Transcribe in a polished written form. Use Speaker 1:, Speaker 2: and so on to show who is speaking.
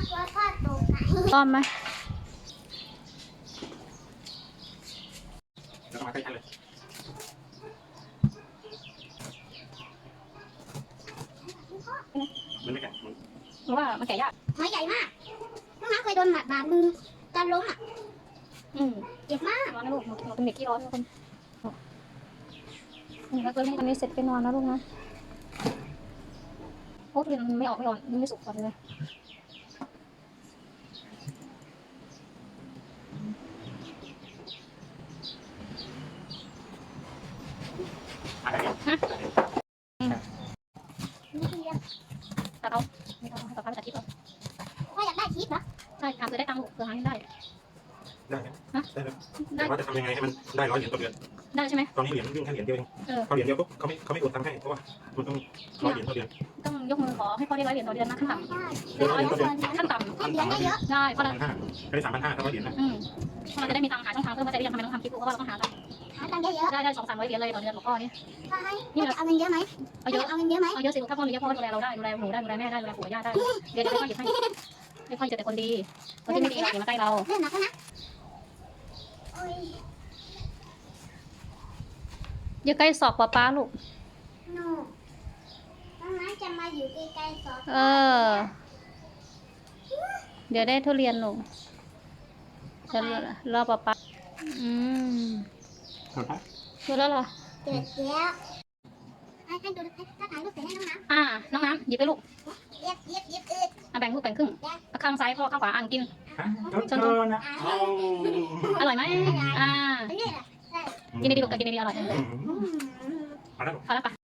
Speaker 1: ว่าพ่อตกไหน
Speaker 2: ต้อมไหม
Speaker 3: แล้วก็มาใกล้ๆเลยมันไม่แข็ง
Speaker 2: เพราะว่ามันแก่ยาก
Speaker 1: หอยใหญ่มากน้องน้ำเคยโดนหมัดบาดมือตอนล้มอ่ะเจ็บมาก
Speaker 2: นอนนะลูกหนูเป็นเด็กที่ร้อนนะคุณแล้วก็ตอนนี้เสร็จไปนอนนะลูกนะโอ้ทุเรียนมันไม่ออกมันไม่สุกก่อนเลย
Speaker 3: อะไรเนี่ย
Speaker 2: ตัดเอาไม่ต้องตัดเอาตัดทิพย์เอา
Speaker 1: พ่ออยากได้ทิปเหรอ
Speaker 2: ใช่ทำเพื่อได้ตังค์เพื่อหาเงินได้
Speaker 3: ได้ไหมได้เลยแต่ว่าจะทำยังไงให้มันได้100 เหรียญต่อเดือน
Speaker 2: ได้ใช่ไหม
Speaker 3: ตอนนี้เหรียญมันวิ่งแค่เหรียญเดียวเองพอเหรียญเดียวปุ๊บเขาไม่โอนตังค์ให้เพราะว่ามันต้อง100 เหรียญต่อเดือน
Speaker 2: ต้องยกมือขอให้พ่อได้100 เหรียญต่อเดือนนะขั้นต่ำ
Speaker 1: ใช่
Speaker 3: 100 เหรียญต่อเดือน
Speaker 2: ขั้นต่ำ
Speaker 1: ให้เดือนได้เยอะ
Speaker 2: ได้เพราะอะไร
Speaker 3: 3,500ได้3,500ถ้า100 เหรียญนะ
Speaker 2: เพราะเราจะได้มีตังค์หาช่องทางเพิ่มมาจะได้ยังทำไมต้องทำคลิปเพราะว่าเราต้องหาตังค์
Speaker 1: หาตังค์เยอะ
Speaker 2: ได้200-300 เหรียญเลยต่อเดือนของพ่อเนี่ย
Speaker 1: ๆพ่อให้จะเอาเงินเยอะไหม
Speaker 2: เอาเยอะ
Speaker 1: เอาเงินเยอะไหม
Speaker 2: เอาเยอะสิถ้าพ่อมีเยอะพ่อดูแลเราได้ดูแลหนูได้ดูแลแม่ได้ดูแลปู่ย่าได้เดี๋ยวพ่อหยิบให้พ่อเจอแต่คนดีคนที่ไม่ดีเราอย่ามาใกล้เรา
Speaker 1: เรื่องหนักนะโอ้ย
Speaker 2: อย่าใกล้ศอกป้าลูก
Speaker 1: หนูน้องน้ำจะมาอยู่ใกล้ๆสอน
Speaker 2: เดี๋ยวได้ทุเรียนลงจะรอป้า
Speaker 3: หมดแล้ว
Speaker 2: ดูแล้วเหรอ
Speaker 1: เจ็บแล้วให้ดูถ้าถ่ายรูปเสร็จให้น้องน้
Speaker 2: น้องน้ำหยิบไปลูก
Speaker 1: ำเย็บอืด
Speaker 2: แบ่งลูกแบ่งครึ่งข้างซ้ายพ่อข้างขวากิน
Speaker 3: จนนะ
Speaker 2: อร่อยไหม
Speaker 1: อันนี้แหละ
Speaker 2: กินดีๆลูกกินดีๆอร่อย
Speaker 3: เอาแล้ว
Speaker 2: พอแล้วปะ